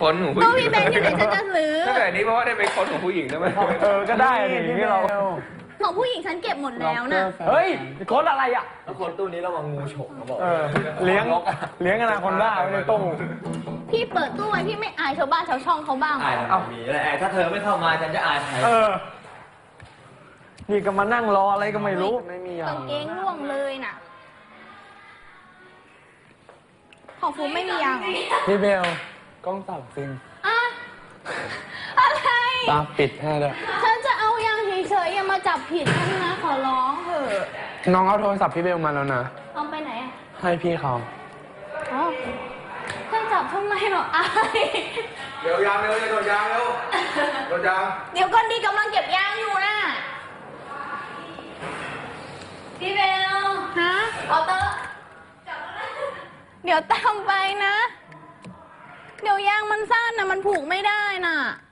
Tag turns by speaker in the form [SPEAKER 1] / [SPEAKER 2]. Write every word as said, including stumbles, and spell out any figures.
[SPEAKER 1] ค้นของผู้ห
[SPEAKER 2] ก็
[SPEAKER 1] ญิง
[SPEAKER 2] พี่เบนอยู่ในฉันจะซื้อ
[SPEAKER 1] ถ้าเกิดนี้เพราะว่าได้ไปค้นของผู้หญิงได้ไหม
[SPEAKER 3] เออก็ได้อย่างนี้เรา
[SPEAKER 2] ของผู้หญิงฉันเก็บหมดแล้วนะ
[SPEAKER 3] เฮ้ยโค้ดอะไรอ่ะ
[SPEAKER 4] แล้วคนตู้นี้ระวังงูฉกเขาบอก
[SPEAKER 3] เออเลี้ยงเลี้ยงอนาคอนด้าไว้ในตู้
[SPEAKER 2] พี่เปิดตู้ไว้พี่ไม่อายชาวบ้านชาวช่องเขาบ้างเหร
[SPEAKER 4] อาย
[SPEAKER 2] อ
[SPEAKER 4] ทำไมมีแล้วแอบถ้าเธอไม่เข้ามาฉันจะอายใคร
[SPEAKER 3] เออนี่ก็มานั่งรออะไรก็ไม่รู้ไม่มียาก
[SPEAKER 2] างเกงร่วงเลยน่ะ ของฟูไม่มียางเหรอ
[SPEAKER 3] พี่เบลกล้องสับจริง
[SPEAKER 2] อะอะไร
[SPEAKER 3] ตาปิดแค่เลย
[SPEAKER 2] ฉันจะเอายางเฉยๆอย่ามาจับผิดฉันนะขอร้องเถอะ
[SPEAKER 3] น้องเอาโทรศัพท์พี่เบลมาแล้วนะ
[SPEAKER 2] เอาไปไหนอ่ะ
[SPEAKER 3] ให้พี่เขา
[SPEAKER 2] อ๋อฉันจับทำไมหรออาย
[SPEAKER 1] เดี๋ยวยางเร็วเดี๋ยวยางเร็วเดี๋ยวยาง
[SPEAKER 2] เดี๋ยวก่อนดีกำลังเก็บยางอยู่นะพี่เบลฮะเอาเตอร์เดี๋ยวตามไปนะ เดี๋ยวยางมันสั้นนะมันผูกไม่ได้น่ะ